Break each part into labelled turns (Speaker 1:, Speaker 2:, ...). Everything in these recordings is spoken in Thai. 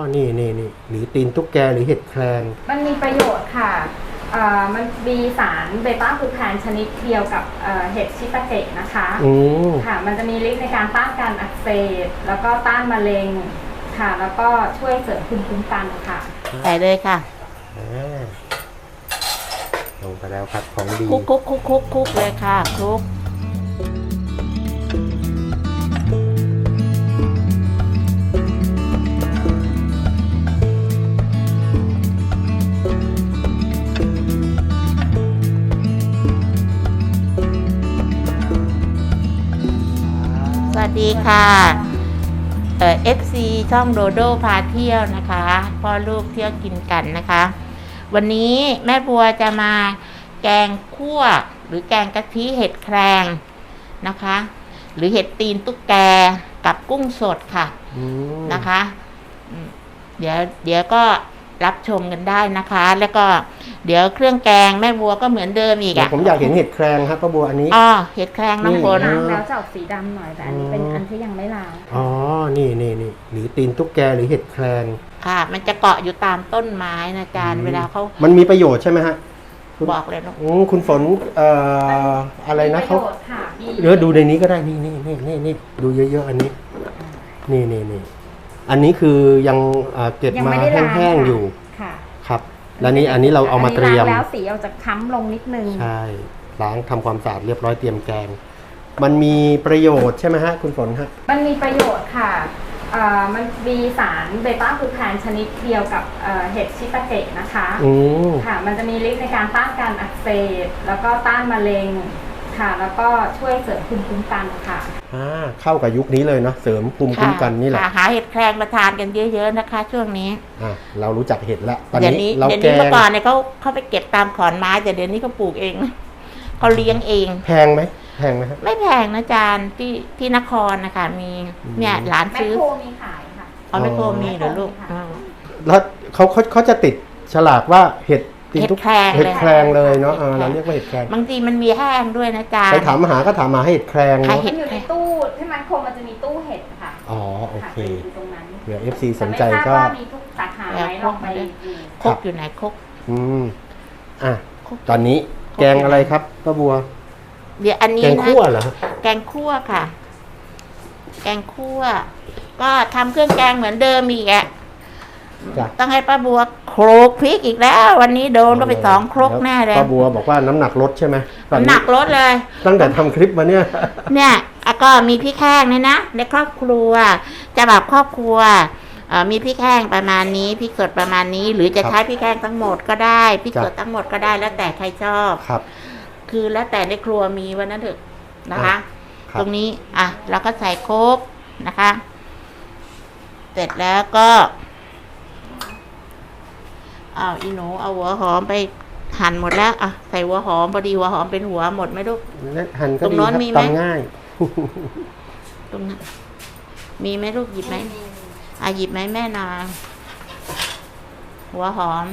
Speaker 1: นี่หรือตีนตุ๊กแกหรือเห็ดแครง
Speaker 2: มันมีประโยชน์ค่ะมันมีสารเบต้ากูแคนชนิดเดียวกับเห็ดชิตาเกะนะคะค่ะมันจะมีฤทธิ์ในการต้านการอักเสบแล้วก็ต้านมะเร็งค่ะแล้วก็ช่วยเสริมภูมิคุ้มกันค่ะ
Speaker 3: ใส่เลยค่ะ
Speaker 1: ลงไปแล้วครับของดี
Speaker 3: คุกเลยค่ะคลุกสวัสดีค่ะFC ช่องโดโดพาเที่ยวนะคะพ่อลูกเที่ยวกินกันนะคะวันนี้แม่บัวจะมาแกงคั่วหรือแกงกะทิเห็ดแครงนะคะหรือเห็ดตีนตุ๊กแกกับกุ้งสดค่ะนะคะเดี๋ยวก็รับชมกันได้นะคะแล้วก็เดี๋ยวเครื่องแกงแม่บัวก็เหมือนเดิมอีก
Speaker 1: ผมอยากเห็นเห็ดแครงครับป้าบัวอันนี้
Speaker 3: เห็ดแครงน้องฝน
Speaker 2: แล้วจะออกสีดำหน่อยแต่อันนี้เป็นอันที่ยังไม่ล้าง
Speaker 1: นี่หรือตีนตุ๊กแกหรือเห็ดแครง
Speaker 3: ค่ะมันจะเกาะอยู่ตามต้นไม้นะจานเวลาเขา
Speaker 1: มันมีประโยชน์ใช่ไหมฮะ
Speaker 3: บอกเลยนะ
Speaker 1: คุณฝนอะไรนะเขาดูในนี้ก็ได้นี่ดูเยอะๆอันนี้นี่อันนี้คือยังเก็บมาแห้งๆอยู่ครับแล้วนี่อันนี้เราเอามาเตรียม
Speaker 2: แล้วสีเอาจะค้ำลงนิดนึง
Speaker 1: ใช่ล้างทำความสะอาดเรียบร้อยเตรียมแกงมันมีประโยชน์ใช่ไหมฮะคุณฝนฮะ
Speaker 2: มันมีประโยชน์ค่ะมันมีสารเบต้ากูแคนชนิดเดียวกับเห็ดชิตาเกะนะคะค่ะมันจะมีฤทธิ์ในการต้านการอักเสบแล้วก็ต้านมะเร็งค่ะแล้วก็ช่วยเสริมภูมิคุ้มกันค่ะ
Speaker 1: เข้ากับยุคนี้เลยเนาะเสริมภูมิคุ้มกันนี่แหละ
Speaker 3: หาเห็ดแครงมาทานกันเยอะๆนะคะช่วงนี้
Speaker 1: เรารู้จักเห็ดแล้ว
Speaker 3: ตอนนี้เดี๋ยวนี้เมื่อก่อนเนี่ยเขาไปเก็บตามขอนไม้แต่เดี๋ยวนี้เขาปลูกเองเขาเลี้ยงเอง
Speaker 1: แพงไหมครับ
Speaker 3: ไม่แพงนะจานที่นครนะคะมีเนี่ยร้านซื้อ
Speaker 2: แมคโครมีขายค่ะ
Speaker 3: แมคโครมีเหรอลูก
Speaker 1: แล้วเขาจะติดฉลากว่าเห็ดแครงเลยเนาะเราเรียกว่าเห็ดแครง
Speaker 3: บางทีมันมีแห้งด้วยนะจาน
Speaker 1: ไปถามหาก็ถามหาเห็ดแครง
Speaker 2: เนาะอยู่ในตู้ที่มันโคมันจะมีตู้เห็ดค่ะ
Speaker 1: โอเค
Speaker 2: ตรงนั้น
Speaker 1: เดี๋ยว FC สนใจก็
Speaker 2: มีทุกสาขาไหมลองไป
Speaker 3: คกอยู่ไหนคก
Speaker 1: ตอนนี้แกงอะไรครับป้าบัว
Speaker 3: เดี๋ยวอันนี้
Speaker 1: แกงคั่วเหรอ
Speaker 3: แกงคั่วค่ะแกงคั่วก็ทำเครื่องแกงเหมือนเดิมอีกต้องให้ป้าบัวโขลกพริกอีกแล้ววันนี้โดนก็ไป2 ครกแน่เลย
Speaker 1: ป้าบัวบอกว่าน้ำหนักลดใช่ไหม
Speaker 3: น้ำหนักลดเลย
Speaker 1: ตั้งแต่ทำคลิปมาเนี่ย
Speaker 3: ก็มีพริกแห้งเนี่ยนะในครอบครัวจะแบบครอบครัวมีพริกแห้งประมาณนี้พริกสดประมาณนี้หรือจะใช้พริกแห้งทั้งหมดก็ได้พริกสดทั้งหมดก็ได้แล้วแต่ใครชอบคือแล้วแต่ในครัวมีวันนั้นเถอะนะคะตรงนี้เราก็ใส่โคกนะคะเสร็จแล้วก็อีหนูเอาหัวหอมไปหั่นหมดแล้วใส่หัวหอมพอดีหัวหอมเป็นหัวหมดไหมลูก
Speaker 1: หั่นก็ดีครับตำง่าย
Speaker 3: ตรงนั้นมีไหมลูกหยิบไหมหยิบไหมแม่นาหัวหอม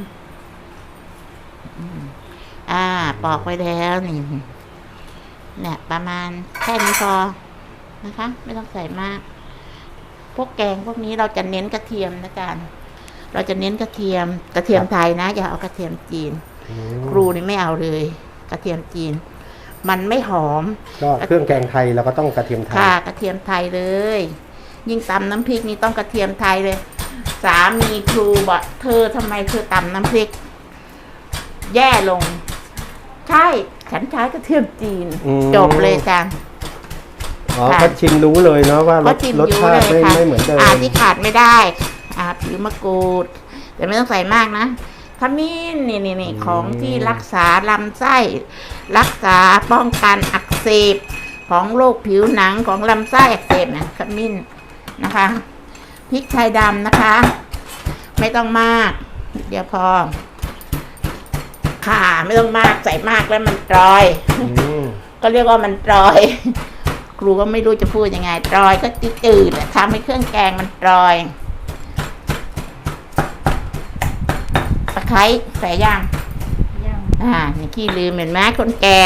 Speaker 3: ปอกไปแล้วนี่เนี่ยประมาณแค่นี้พอนะคะไม่ต้องใส่มากพวกแกงพวกนี้เราจะเน้นกระเทียมนะจ๊ะเราจะเน้นกระเทียมไทยนะอย่าเอากระเทียมจีนครูนี่ไม่เอาเลยกระเทียมจีนมันไม่หอม
Speaker 1: ก็เครื่องแกงไทยเราก็ต้องกระเทียมไทย
Speaker 3: ค่ะกระเทียมไทยเลยยิ่งตำน้ำพริกนี่ต้องกระเทียมไทยเลยสามีครูบอกเธอทำไมเธอตำน้ำพริกแย่ลงใช่ฉันใช้กระเทียมจีนจบเลยจ้ะ
Speaker 1: ก็ชิมรู้เลยเนาะว่ารสชาติไม่เหมือนเดิม
Speaker 3: ที่ขาดไม่ได้ผิวมะกรูดแต่ไม่ต้องใส่มากนะขมิ้นนี่ของที่รักษาลำไส้รักษาป้องกันอักเสบของโรคผิวหนังของลำไส้อักเสบนะขมิ้นนะคะพริกไทยดำนะคะไม่ต้องมากเดี๋ยวพอค่ะไม่ต้องมากใส่มากแล้วมันตรอยก็เรียกว่ามันตรอยครูก็ไม่รู้จะพูดยังไงตรอยก็จืดทำให้เครื่องแกงมันตรอยตะไคร้ใส่ย่างนี่ขี้ลืมเห็นไหมคนแก่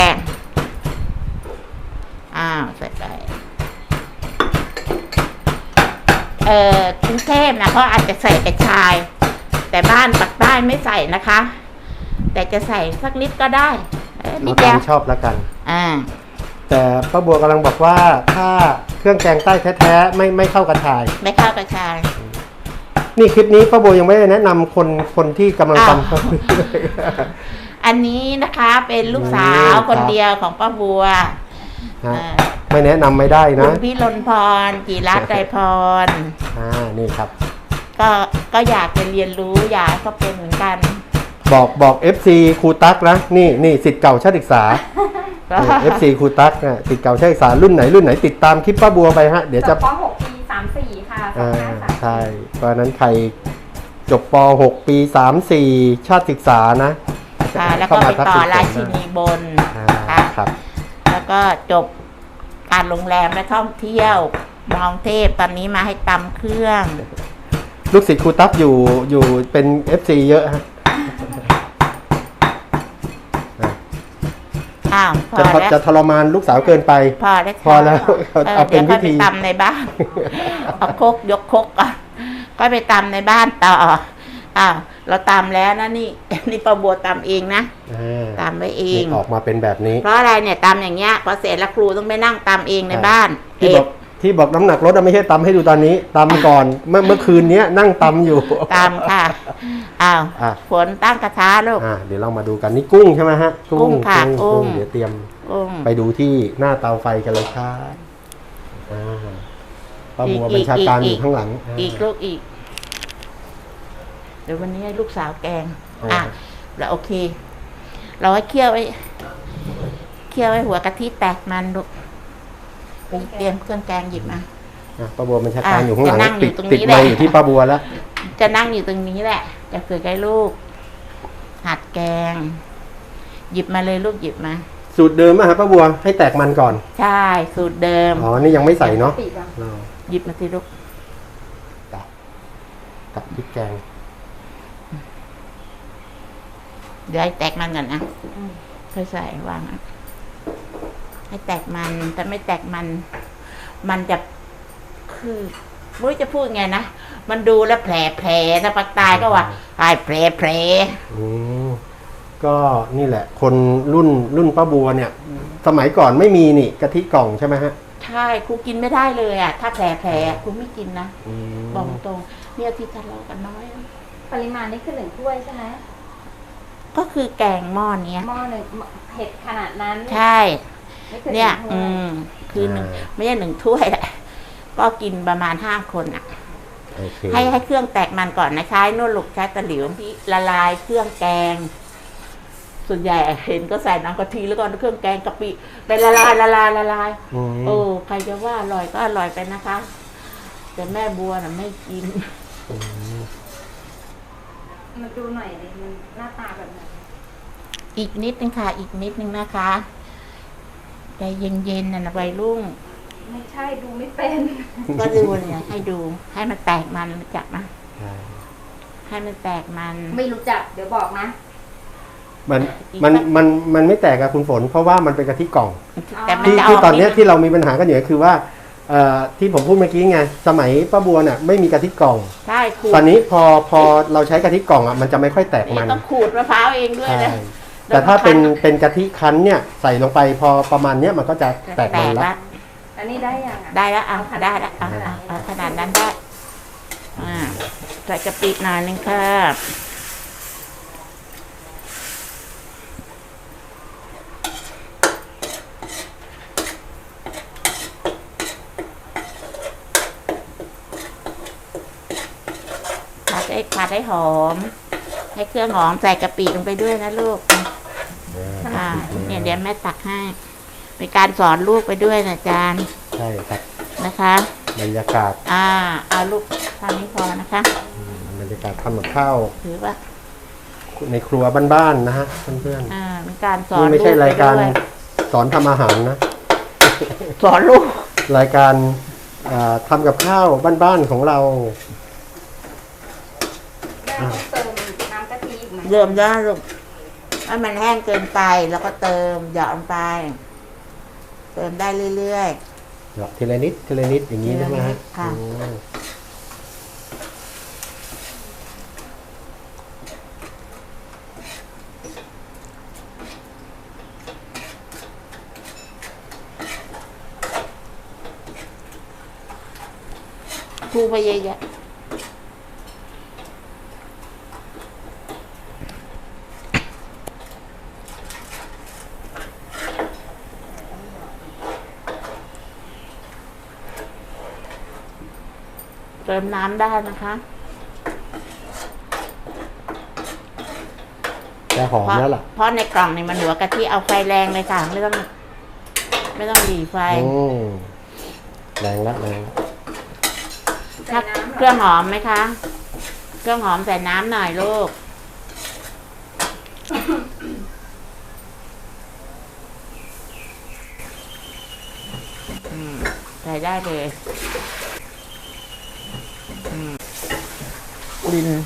Speaker 3: ใส่ไปกรุงเทพนะเขาอาจจะใส่กระชาย แต่บ้านปักใต้ไม่ใส่นะคะ แต่จะใส่สักนิดก็ได้นิ
Speaker 1: เอา
Speaker 3: ดเดี
Speaker 1: ตา
Speaker 3: ยว
Speaker 1: มชอบแล้วกัน
Speaker 3: แต่
Speaker 1: ป้าบัวกำลังบอกว่าถ้าเครื่องแกงใต้แท้ๆไม่เข้ากระชาย
Speaker 3: ไม่เข้ากระชาย
Speaker 1: นี่คลิปนี้ป้าบัวยังไม่ได้แนะนำคนที่กำลังทำ
Speaker 3: อันนี้นะคะเป็นลูกสาว
Speaker 1: ครับ
Speaker 3: คนเดียวของป้าบัว
Speaker 1: ฮะไม่แนะนำไม่ได้
Speaker 3: คุ
Speaker 1: นะ
Speaker 3: ณพี่ลนพรจิรัตน์ไตรพร
Speaker 1: นี่ครับ
Speaker 3: ก็อยากจะเรียนรู้อยากก็เป็นเหมือนกัน
Speaker 1: บอก FC ครูตั๊กนะนี่ศิษย์เก่าชาติศึกษา FC ครูตั๊กนะศิษย์เก่าชาติศึกษารุ่นไหนติดตามคลิปป้าบัวไปฮะเดี๋ยวจะ
Speaker 2: ป .6 ปี34ค่ะ2534
Speaker 1: ใช่เพราะฉะนั้นใครจบป .6 ปี 34 ชาติศึกษานะ
Speaker 3: แล้วก็ไปต่อราชินีบนค่ะ
Speaker 1: ครับ
Speaker 3: แล้วก็จบการโรงแรมและท่องเที่ยวมองเทพตอนนี้มาให้ตำเครื่อง
Speaker 1: ลูกศิษย์ครูตั๊กอยู่เป็น FC เยอะฮะ
Speaker 3: พอแล้ว
Speaker 1: จะทรมานลูกสาวเกินไป
Speaker 3: พอแล้ว
Speaker 1: พอแล้วเอาเป็นวิธี
Speaker 3: ดี๋ยวค่อยไปตำในบ้าน เอาครกยกครกก่อนก็ไปตำในบ้านต่อเราตำแล้วนะนี่ป้าบัวตำเองนะตำไว้เอง
Speaker 1: ออกมาเป็นแบบนี้
Speaker 3: เพราะอะไรเนี่ยตำอย่างเงี้ยพอเสร็จแล้วครูต้องไปนั่งตำเองในบ้าน
Speaker 1: ที่บอกน้ำหนักลดไม่ใช่ตำให้ดูตอนนี้ตำก่อนเมื่อคืนนี้นั่งตำอยู่
Speaker 3: ตำค่ะฝนตั้งกระทะลูก
Speaker 1: เดี๋ยวเรามาดูกันนี่กุ้งใช่ไหมฮะ
Speaker 3: กุ้งค่ะกุ้ง
Speaker 1: เดี๋ยวเตรียมไปดูที่หน้าเตาไฟกันเลยครับป้าบัวบัญชาการอยู่ข้างหลัง
Speaker 3: อีกเดี๋ยววันนี้ให้ลูกสาวแกงแล้วโอเค เราให้เคี่ยวไว้หัวกะทิแตกมันลูกเตรียมเครื่องแกงหยิบมา
Speaker 1: ป้าบัวบัญชาการอยู่ข้างหลัง
Speaker 3: จะนั่งอยู่ตรงนี้
Speaker 1: ติดไมค์อยู่ที่ป้าบัวแล้ว
Speaker 3: จะนั่งอยู่ตรงนี้แหละจะฝึกให้ลูกหัดแกง หยิบมาเลยลูกหยิบมา
Speaker 1: สูตรเดิมอะฮะป้าบัวให้แตกมันก่อน
Speaker 3: ใช่สูตรเดิม
Speaker 1: นี่ยังไม่ใส่เนาะ
Speaker 3: หยิบมาสิลูก
Speaker 1: กับพริกแกง
Speaker 3: เดี๋ยวให้แตกมันก่อนนะค่อยใส่วางให้แตกมันแต่ไม่แตกมันจะคือไม่รู้จะพูดไงนะมันดูแล้วแผลนะปากตายก็ว่าแผล
Speaker 1: ก็นี่แหละ คนรุ่นป้าบัวเนี่ย สมัยก่อนไม่มีนี่กะทิกล่องใช่ไหมฮะ
Speaker 3: ใช่ครูกินไม่ได้เลยอ่ะถ้าแผลครูไม่กินนะบอกตรงเนี่ยที่ทะเลาะกันน้อย
Speaker 2: ปริมาณนี่คือ1 ถ้วยใช่ไหม
Speaker 3: ก็คือแกงหม้อเนี้ย
Speaker 2: หม้อหนึ่งเผ็ดขนาดนั้น
Speaker 3: ใช่เนี่ยคือไม่ใช่1 ถ้วยแหละก็กินประมาณ5 คนอ่ะให้เครื่องแตกมันก่อนนะใช้นวดลูกใช้ตะหลิวที่ละลายเครื่องแกงส่วนใหญ่เห็นก็ใส่น้ำกะทิแล้วก็เครื่องแกงกะปิไปละลายใครจะว่าอร่อยก็อร่อยไปนะคะแต่แม่บัวน่ะไม่กิน
Speaker 2: มาดูหน่อยดิมันหน้าตาแบบไหน
Speaker 3: อีกนิดนึงค่ะอีกนิดนึงนะคะใจเย็นๆนะวัยรุ่ง
Speaker 2: ไม่ใช่ดูไม่เป็น
Speaker 3: ก็ดูเนี่ยให้ดูให้มันแตกมันรู้จักนะให้มันแตกมัน
Speaker 2: ไม่รู้จักเดี๋ยวบอกนะ
Speaker 1: มันไม่แตกกับคุณฝนเพราะว่ามันเป็นกะทิกล่อง
Speaker 3: ที่
Speaker 1: ตอนนี้ที่เรามีปัญหากันอยู่คือว่าที่ผมพูดเมื่อกี้ไงสมัยป้าบัวเนี่ยไม่มีกะทิกล่อง
Speaker 3: ใช่
Speaker 1: ตอนนี้พอเราใช้กะทิกล่องมันจะไม่ค่อยแตกมัน
Speaker 3: ต้องขูดมะพร้าวเองด้วยนะ
Speaker 1: แต่ถ้าเป็นกะทิคั้นเนี่ยใส่ลงไปพอประมาณเนี้ยมันก็จะแตกมันแล้ว
Speaker 2: อันนี้ได้ยัง
Speaker 3: ได้แล้วได้แล้วขนาดนั้นได้ใส่กะปิหน่อยนึงค่ะผัดให้หอมให้เครื่องหอมใส่กะปิลงไปด้วยนะลูกเนี่ยเดี๋ยวแม่ตักให้เป็นการสอนลูกไปด้วยนะอาจารย์
Speaker 1: ใช่ครับ
Speaker 3: นะคะ
Speaker 1: บรรยากาศ
Speaker 3: เอาลูกทำนี้พอนะคะ
Speaker 1: บรรยากาศทำกับข้าว
Speaker 3: ถือว่า
Speaker 1: ในครัวบ้านๆนะฮะเพื่อน
Speaker 3: ๆเป็นการสอน
Speaker 1: ไม่ใช่รายการสอนทำอาหารนะ
Speaker 3: สอนลูก
Speaker 1: รายการทำกับข้าวบ้านๆของเรา
Speaker 2: เติมน้ำกะทิอีกไหม
Speaker 3: เติมได้ลูกถ้ามันแห้งเกินไปแล้วก็เติมหยอดลงไปเติมได้เรื่อย
Speaker 1: ๆหยอดทีละนิดอย่างนี้ใช่ไหมฮะ
Speaker 3: ทูไปเยอะๆเติมน้ำได้นะคะ
Speaker 1: แต่หอมแล้วล่ะ
Speaker 3: เพราะในกล่องนี่มันเหลือกะทิเอาไฟแรงเลยค่ะ ไม่ต้องหลีไฟ
Speaker 1: แรงละแรง
Speaker 2: ใส่น้ำ
Speaker 3: เครื่องหอมไหมคะ เครื่องหอมใส่น้ำหน่อยลูก ใส่ได้เลยดิน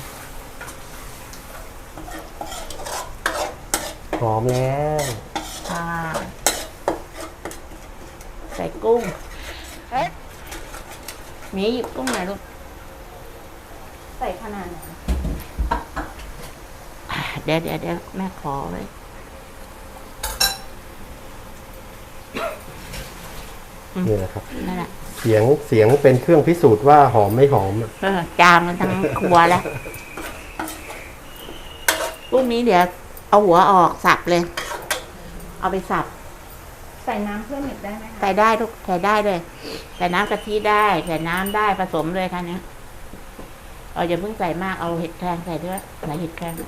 Speaker 1: หอมแล้ว
Speaker 3: ค่ะใส่กุ้งหมีหยิบกุ้งหน่อยลูก
Speaker 2: ใส่ขนาดไหน
Speaker 3: เดี๋ยวแม่ขอไว้
Speaker 1: นี่แหละครับ
Speaker 3: นั่นแหละ
Speaker 1: เสียงเป็นเครื่องพิสูจน์ว่าหอมไม่หอมอะ
Speaker 3: จามมันทั้งครัวแล้วกุ้งนี้เดี๋ยวเอาหัวออกสับเลย เอาไปสับ
Speaker 2: ใส่น้ำเพิ่มอีกได้ไหมคะ
Speaker 3: ใส่ได้ทุกใส่ได้เลยใส่น้ำกะทิได้ใส่น้ำได้ผสมเลยค่ะเนี้ยอย่าเพิ่งใส่มากเอาเห็ดแครงใส่ด้วยใส่เห็ดแครง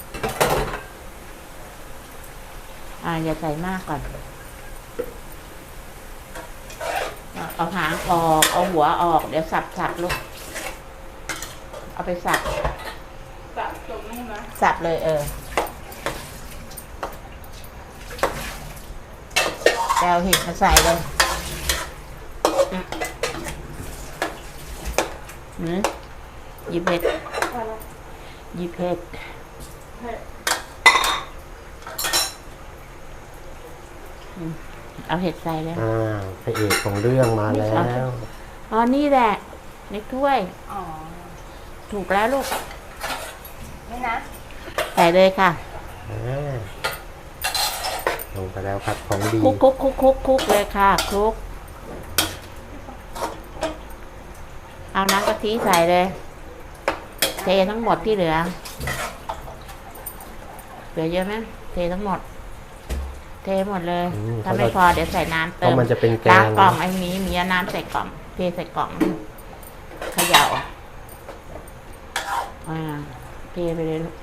Speaker 3: อย่าใส่มากก่อนเอาหางออกเอาหัวออกเดี๋ยวสับลูกเอาไปสับ
Speaker 2: แบบตรงนี้ไหม
Speaker 3: สับเลยแล้วเห็ดมาใส่เลยหยิบเห็ดหยิบเห็ดเอาเห็ดใส่เลย
Speaker 1: พระเอกของเรื่องมาแล้ว
Speaker 3: นี่แหละในถ้วย
Speaker 2: อ๋อ
Speaker 3: ถูกแล้วลูก
Speaker 2: นี่นะ
Speaker 3: ใส่เลยค่ะ
Speaker 1: ลงไปแล้วครับของดี
Speaker 3: คลุกเลยค่ะคลุกเอาน้ำกะทิใส่เลยเททั้งหมดที่เหลือเยอะไหมเททั้งหมดเทหมดเลยถ้าไม่พอเดี๋ยวใส่น้ำเติม
Speaker 1: มันจะเป็นแก
Speaker 3: ล้าง
Speaker 1: ง
Speaker 3: กล่องไอ้มีน้ำใส่กล่องเทใส่กล่องเขย่าเทไปเลยลูก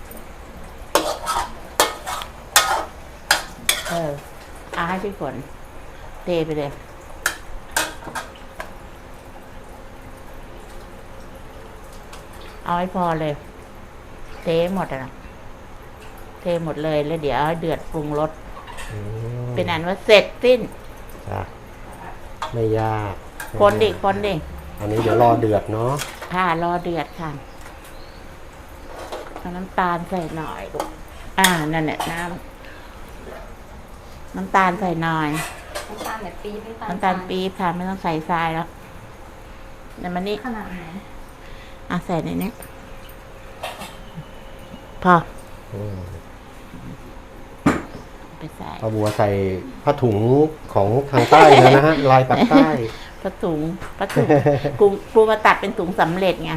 Speaker 3: ให้พี่ฝนเทไปเลยเอาให้พอเลยเทหมดนะเทหมดเลยแล้วเดี๋ยวเดือดปรุงรสเป็นอันว่าเสร็จสิ้น
Speaker 1: ไม่ยาก
Speaker 3: คนดิ
Speaker 1: อันนี้เดี๋ยวรอเดือดเนาะ
Speaker 3: ค่ะรอเดือดค่ะเอาน้ำตาลใส่หน่อยลูกนั่นแหละน้ำตาลใส่หน่อย
Speaker 2: น้ำตาลแบบปี๊บ
Speaker 3: น้ำตาลปี๊บค่ะไม่ต้องใส่ทรายแล้วเดี๋ยวมันนี่
Speaker 2: ขนาดไหน
Speaker 3: ใส่ในนี้พอไปใส่
Speaker 1: ป้าบัวใส่ผ้าถุงของทางใต้แล้วนะฮะ ลายปักใต้
Speaker 3: ผ้าถุงกูมาตัดเป็นถุงสำเร็จไง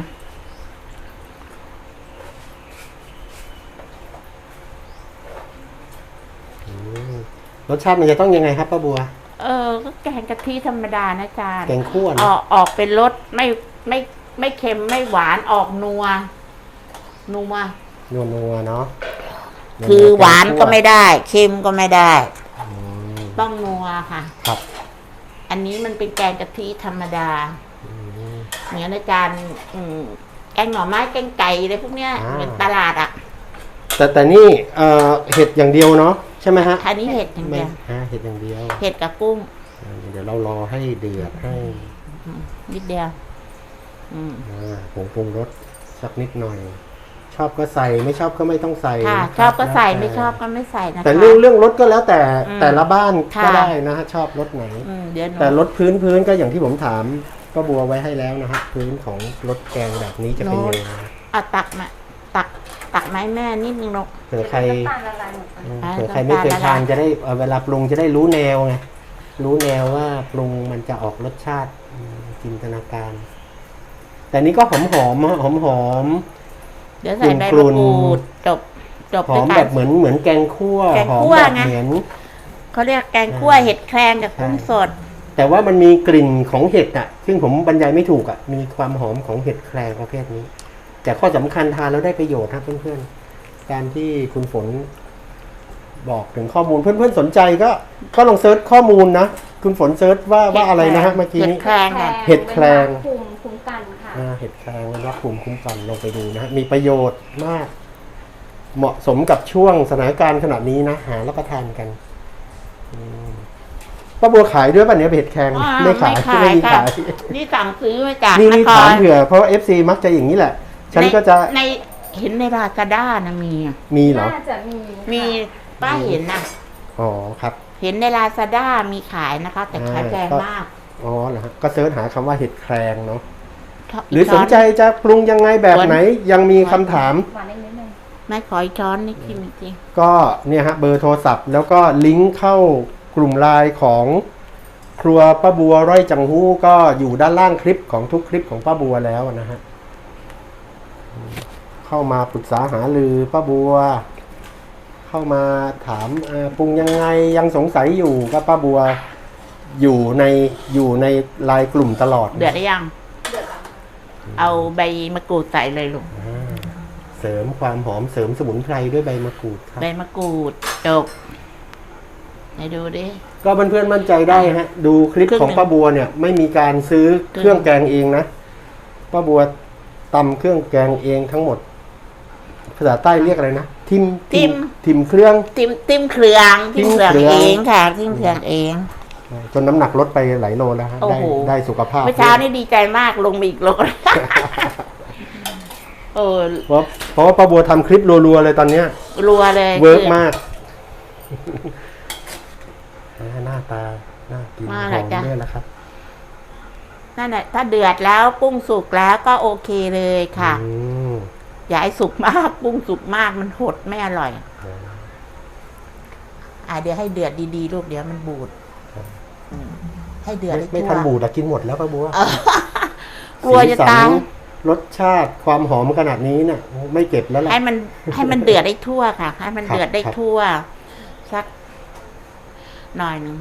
Speaker 1: รสชาติมันจะต้องยังไงครับป้าบัว
Speaker 3: ก็แกงกะทิธรรมดานะจาน
Speaker 1: แกงคั่ว
Speaker 3: ออกเป็นรสไม่เค็มไม่หวานออกนัวเนาะคือหวานก็ไม่ได้เค็มก็ไม่ได้ต้องนัวค่ะ
Speaker 1: ครับ
Speaker 3: อันนี้มันเป็นแกงกะทิธรรมดาเหมือนอาจารย์แกงหน่อไม้แกงไก่อะไรพวกเนี้ยเหมือนตลาด
Speaker 1: แต่นี่เห็ดอย่างเดียวเนาะใช่ไหมฮะ
Speaker 3: อันนี้เห็ดอย่างเดียว
Speaker 1: เห็ดอย่างเดียว
Speaker 3: เห็ดกับกุ้ง
Speaker 1: เดี๋ยวเรารอให้เดือดให้
Speaker 3: นิดเดียว
Speaker 1: ผงปรุงรสสักนิดหน่อยชอบก็ใส่ไม่ชอบก็ไม่ต้องใส่
Speaker 3: ค่ะชอบก็ใส่ไม่ชอบก็ไม่ใส่นะคะ
Speaker 1: แต่เรื่องรสก็แล้วแต่ละบ้านก็ได้นะฮะชอบรสไหนแต่รสพื้นก็อย่างที่ผมถามก็บัวไว้ให้แล้วนะฮะพื้นของรสแกงแบบนี้จะเป็นยังไง
Speaker 3: ตักไม้แม่นิดนึงลูก
Speaker 1: เผื่อใครไม่เคยทานจะได้เวลาปรุงจะได้รู้แนวไงรู้แนวว่าปรุงมันจะออกรสชาติจินตนาการแต่นี้ก็หอมหอม
Speaker 3: เดี๋ยวใส่ใบ
Speaker 1: กลุ่
Speaker 3: มะ
Speaker 1: น
Speaker 3: กรูดจบ
Speaker 1: หอ
Speaker 3: ด้วย
Speaker 1: ม
Speaker 3: กั
Speaker 1: แบ
Speaker 3: น
Speaker 1: บเหมือนแกงคั่ว
Speaker 3: แกง
Speaker 1: หอม
Speaker 3: คั่ว
Speaker 1: แบบ
Speaker 3: ไง
Speaker 1: เหมือน
Speaker 3: เขาเรียกแกงคั่วเห็ดแครงกับกุ้งสด
Speaker 1: แต่ว่ามันมีกลิ่นของเห็ดอ่ะ ซึ่งผมบรรยายไม่ถูกอ่ะ มีความหอมของเห็ดแครงประเภทนี้ แต่ข้อสำคัญทานแล้วได้ประโยชน์ครับเพื่อนๆ การที่คุณฝนบอกถึงข้อมูลเพื่อนๆสนใจก็ลองเซิร์ชข้อมูลนะ คุณฝนเซิร์ชว่าอะไรนะฮะเมื่อกี้
Speaker 3: เห็ด
Speaker 1: นี้
Speaker 3: แครงค่ะ
Speaker 1: เห็ดแครง
Speaker 2: เป็นภูมิคุ้มกันค่ะ
Speaker 1: เห็ดแครงมันรับภูมิคุ้มกันลองไปดูนะฮะมีประโยชน์มาก เหมาะสมกับช่วงสถานการณ์ขนาดนี้นะหารับประทานกันป้าบัวขายด้วยป่ะเนี่ยเห็ดแครง ไม่ขายไม่มี
Speaker 3: ค่ะ
Speaker 1: ขาย
Speaker 3: นี่สั่งซื้อมาจาก
Speaker 1: นี่
Speaker 3: นค
Speaker 1: ถาม
Speaker 3: ร
Speaker 1: เผื่อเพราะว่า FC มักจะอย่างนี้แหละ ฉันก็จะ
Speaker 3: ในเห็นในลาซาด้านะมี
Speaker 1: มีเหรอ
Speaker 2: น่าจะมีค่ะ
Speaker 3: มีป้าเห็นนะ
Speaker 1: อ๋อครับ
Speaker 3: เห็นในลาซาด้ามีขายนะคะ แต่ขายแพงมาก
Speaker 1: อ๋อเหรอฮะก็เซิร์ชหาคำว่าเห็ดแครงเนาะห
Speaker 3: ก
Speaker 1: รือสนใจจะปรุงยังไงแบบไหนยังมีคำถาม
Speaker 2: หวานนิดนึง
Speaker 3: ไม่ขออีกช้อนนี่กินจริง
Speaker 1: ก็เนี่ยฮะเบอร์โทรศัพท์ แล้วก็ลิงก์เข้ากลุ่มไลน์ของครัวป้าบัวร้อยจังหู้ก็อยู่ด้านล่างคลิปของทุกคลิปของป้าบัวแล้วนะฮะเข้ามาปรึกษาหารือป้าบัว เข้ามาถามปรุงยังไงยังสงสัยอยู่ก็ป้าบัวอยู่ในไลน์กลุ่มตลอด
Speaker 3: เดือดได้ยัง
Speaker 2: เดือดแล้ว
Speaker 3: เอาใบมะกรูดใส่เลยลูก
Speaker 1: เสริมความหอมเสริมสมุนไพรด้วยใบมะกรูดครับ
Speaker 3: ใบมะกรูดจบไหนดูดิ
Speaker 1: ก็เพื่อนๆมั่นใจได้ฮะ ดูคลิปของป้าบัวเนี่ย ไม่มีการซื้อเครื่องแกงเองนะป้าบัวตำเครื่องแกงเองทั้งหมด ภาษาใต้เรียกอะไรนะทิมเครื่อง
Speaker 3: ติ้มเครื่องเองค่ะติ้มเครื่องเอง
Speaker 1: จนน้ำหนักลดไปหลายโลแล้วฮะ
Speaker 3: โอ้โห
Speaker 1: ได้สุขภาพ
Speaker 3: เมื่อเช้านี่ดีใจมากลงมาอีกโล โอ้
Speaker 1: เพราะว่าป้าบัวทำคลิปรัวๆเลยตอนเนี้ย
Speaker 3: รัวเลย
Speaker 1: เวิร์กมากหน้าตาน่ากินหอมด้วยนะครับ
Speaker 3: นั่นแหละถ้าเดือดแล้วกุ้งสุกแล้วก็โอเคเลยค่ะ
Speaker 1: อืม
Speaker 3: อย่าให้สุกมากกุ้งสุกมากมันหดไม่อร่อยเดี๋ยวให้เดือดดีๆลูกเดี๋ยวมันบูดให้เดือดให้
Speaker 1: ไม่
Speaker 3: ทั่ว
Speaker 1: ทันบูดแล้วกินหมดแล้วป้าบัว
Speaker 3: กลัวจะตาย
Speaker 1: สีสันรสชาติความหอมขนาดนี้เนี่ยไม่เก็บแล้วแหละ
Speaker 3: ให้มันเดือดได้ทั่วค่ะ ให้มันเดือดได้ทั่วสักหน่อยหนึ่ง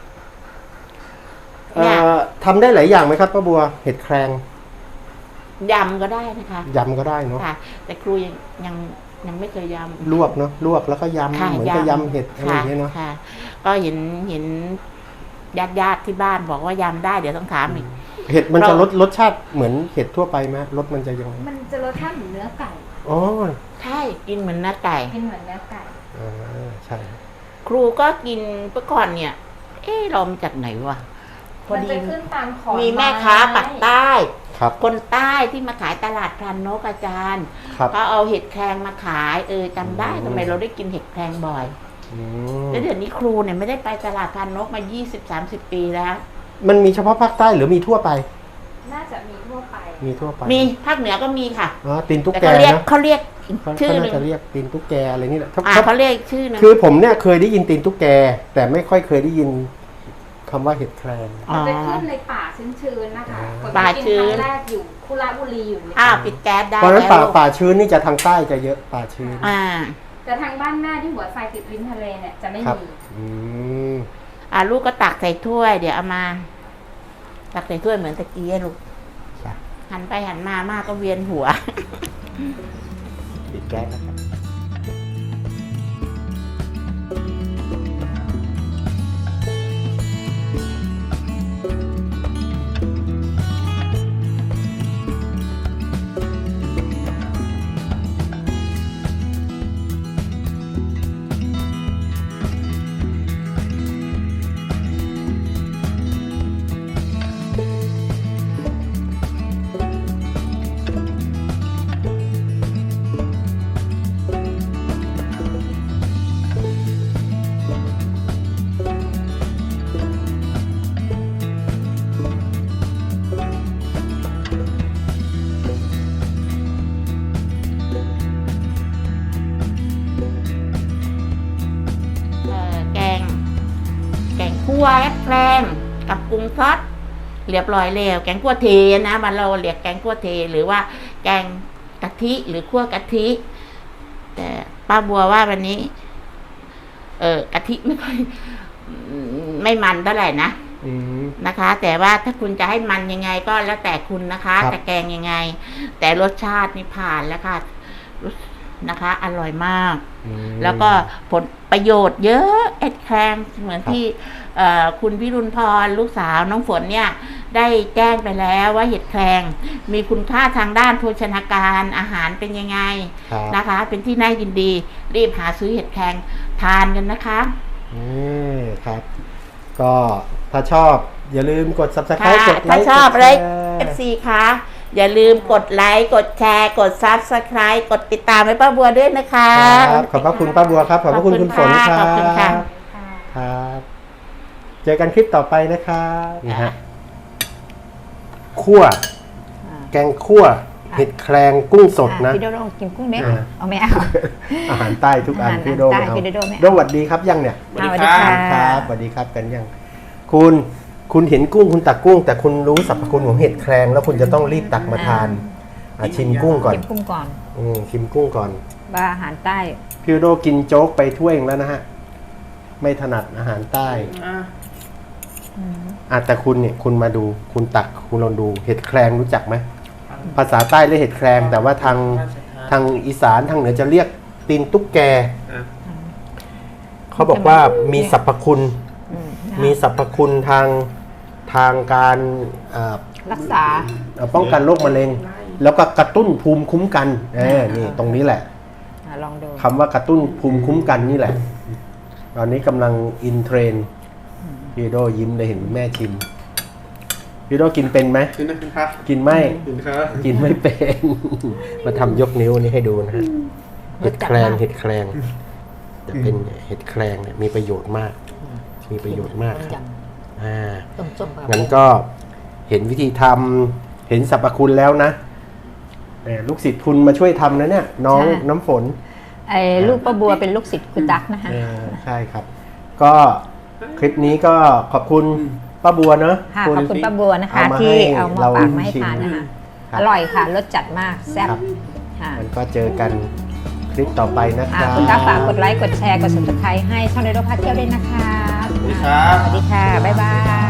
Speaker 3: เนี่ย
Speaker 1: ทำได้หลายอย่างไหมครับป้าบัวเห็ดแครง
Speaker 3: ยำก็ได้นะคะ
Speaker 1: ยำก็ได้เนาะ
Speaker 3: ค่ะ แต่ครูยังไม่เคยยำ
Speaker 1: ลวกเนาะลวกแล้วก็ยำ
Speaker 3: ค่ะ
Speaker 1: เหมือนกับยำเห็ดอะไรอย่างเงี้ยเนาะ
Speaker 3: ค่ะ ก็เห็นญาติที่บ้านบอกว่ายำได้เดี๋ยวต้องถามอีก
Speaker 1: เห็ดมันจะ
Speaker 3: เรา
Speaker 1: รสชาติเหมือนเห็ดทั่วไปไหมรสมันจะยังไง
Speaker 2: มันจะรสชาติเหมือนเนื้อไก่
Speaker 1: อ๋อ
Speaker 3: ใช่กินเหมือนเนื้อไก่
Speaker 2: กินเหมือนเนื้อไก่
Speaker 1: ใช่
Speaker 3: ครูก็กินเมื่อก่อนเนี่ย เรามาจากไหนวะพอ
Speaker 2: มัน
Speaker 3: ดี
Speaker 2: จะขึ้นตามขอน
Speaker 3: มีแม่ค้าปักใต้
Speaker 1: ครับ
Speaker 3: คนใต้ที่มาขายตลาดพลันนกอาจารย์
Speaker 1: ครับ
Speaker 3: ก็เอาเห็ดแครงมาขายจำได้ทำไมเราได้กินเห็ดแครงบ่อย
Speaker 1: อืม
Speaker 3: แล้วเดี๋ยวนี้ครูเนี่ยไม่ได้ไปตลาดพลันนกมา 20-30 ปีแล้ว
Speaker 1: มันมีเฉพาะภาคใต้หรือมีทั่วไป
Speaker 2: น่าจะมีทั่วไป
Speaker 1: มีทั่วไป
Speaker 3: มีภาคเหนือก็มีค่ะ
Speaker 1: อ๋อตีนตุ๊ก
Speaker 3: แต่
Speaker 1: แก
Speaker 3: เขาเรียก
Speaker 1: นะ
Speaker 3: เขา
Speaker 1: เขา
Speaker 3: ชื่อห
Speaker 1: น่า
Speaker 3: นึ่ง
Speaker 1: จะเรียกตีนตุ๊กแกอะไรนี่แหละ
Speaker 3: เขาเรียกชื่อหนึง
Speaker 1: คือผมเนี่ยเคยได้ยินตีนตุ๊กแก แต่ไม่ค่อยเคยได้ยินคำว่าเห็ดแครง
Speaker 2: มันจะขึ้นในป่าชื้นๆนะคะคน
Speaker 3: ป่า
Speaker 2: ที่
Speaker 3: ชื้
Speaker 2: กิน
Speaker 3: น
Speaker 2: ครั้งแรกอยู่คุระบุรีอยู่ใน
Speaker 3: ปิดแก๊สได้
Speaker 1: เพราะฉะนั้น
Speaker 3: แล้ว
Speaker 1: ป่าชื้นนี่จะทางใต้จะเยอะป่าชื้น
Speaker 2: แต่ทางบ้านแม่ที่หัวไฟติดริมทะเลเนี่ยจะไม่
Speaker 1: ครับ
Speaker 2: มี
Speaker 1: อืม
Speaker 3: ลูกก็ตักใส่ถ้วย เดี๋ยวเอามา ตักใส่ถ้วยเหมือนตะกี้อะลูก
Speaker 1: จ้ะ
Speaker 3: หันไปหันมามากก็เวียนหัว
Speaker 1: ปิดแก๊สนะครับ
Speaker 3: แกงคั่วแครงกับปรุงซอสเรียบร้อยแล้วแกงคั่วเทนะมันเราเรียกแกงคั่วเทหรือว่าแกงกะทิหรือคั่วกะทิแต่ป้าบัวว่าวันนี้กะทิไม่ค่อยไม่มันเท่าไหร่นะนะคะ แต่ว่าถ้าคุณจะให้มันยังไงก็แล้วแต่คุณนะคะจะแกงยังไง แต่รสชาตินี่ผ่านแล้วค่ะนะคะ อร่อยมากแล้วก็ผลประโยชน์เยอะเอ็ดแครงเหมือนที่คุณพิรุณพรลูกสาวน้องฝนเนี่ยได้แจ้งไปแล้วว่าเห็ดแครงมีคุณค่าทางด้านโภชนาการอาหารเป็นยังไงนะคะ เป็นที่น่ายินดีรีบหาซื้อเห็ดแครงทานกันนะคะ
Speaker 1: ครับ ก็ถ้าชอบอย่าลืมกด Subscribe กดไลค์
Speaker 3: ถ้าชอบอะไร FC คะอย่าลืมกดไลค์กดแชร์กด Subscribe กดติดตามให้ป้าบัวด้วยนะคะ
Speaker 1: ขอบพระคุณป้าบัวครับขอบพระคุณคุณฝนครับ
Speaker 3: ขอบคุณค่ะ
Speaker 1: ครับเจอกันคลิปต่อไปนะครับนี่ฮะคั่วแกงคั่วเห็ดแครงกุ้งสดนะ
Speaker 4: พี่โดโดกินกุ้งไหมเอาไม่เอา
Speaker 1: อาหารใต้ทุกอันพี่โดไม่เอาโดสวัสดีครับยังเนี่ย
Speaker 4: สวัสดีครับ
Speaker 1: สวัสดีครับกันยังคุณเห็นกุ้งคุณตักกุ้งแต่คุณรู้สรรพคุณของเห็ดแครงแล้วคุณจะต้องรีบตักมาทานชิมกุ้งก่อน
Speaker 4: ชิมกุ้งก่อน
Speaker 1: ชิมกุ้งก่อน
Speaker 4: ว่าอาหารใต้
Speaker 1: พี่โดกินโจ๊กไปถ้วยแล้วนะฮะไม่ถนัดอาหารใต้แต่คุณเนี่ยคุณมาดูคุณตักคุณลองดูเห็ดแครงรู้จักไหมภาษาใต้เรียกเห็ดแครงแต่ว่าทางอีสานทางเหนือจะเรียกตีนตุ๊กแกเขาบอกว่ามีสรรพคุณทางการ
Speaker 4: รักษา
Speaker 1: ป้องกันโรคมะเร็งแล้วก็กระตุ้นภูมิคุ้มกันนี่ตรงนี้แหละ
Speaker 4: ลองดู
Speaker 1: คำว่ากระตุ้นภูมิคุ้มกันนี่แหละตอนนี้กำลังอินเทรนด์พี่โดยิ้มได้เห็นแม่ชิมพี่โดกินเป็นไหมกินไม่กินไม่เป็นมาทำยกนิ้วนี่ให้ดูนะฮะเห็ดแครงจะเป็นเห็ดแครงเนี่ยมีประโยชน์มากครับงั้นก็เห็นวิธีทำเห็นสรรพคุณแล้วนะลูกศิษย์คุณมาช่วยทำนะเนี่ยน้องน้ำฝน
Speaker 4: ลูกป้าบัวเป็นลูกศิษย์คุณตั๊กนะคะ
Speaker 1: ใช่ครับก็คลิปนี้ก็ขอบคุณป้าบัวเนอะ
Speaker 4: ขอบคุณป้าบัวนะคะที่เอามาฝากมาให้ทานนะคะอร่อยค่ะรสจัดมากแซ่บ
Speaker 1: มันก็เจอกันคลิปต่อไปนะครับ
Speaker 4: คุณตั๊กฝากกดไลค์กดแชร์กด Subscribe ให้ช่องโดโดพาเที่ยวด้วยนะคะ
Speaker 1: สวัสดีครับ
Speaker 4: สวัสดีค่ะบ๊ายบาย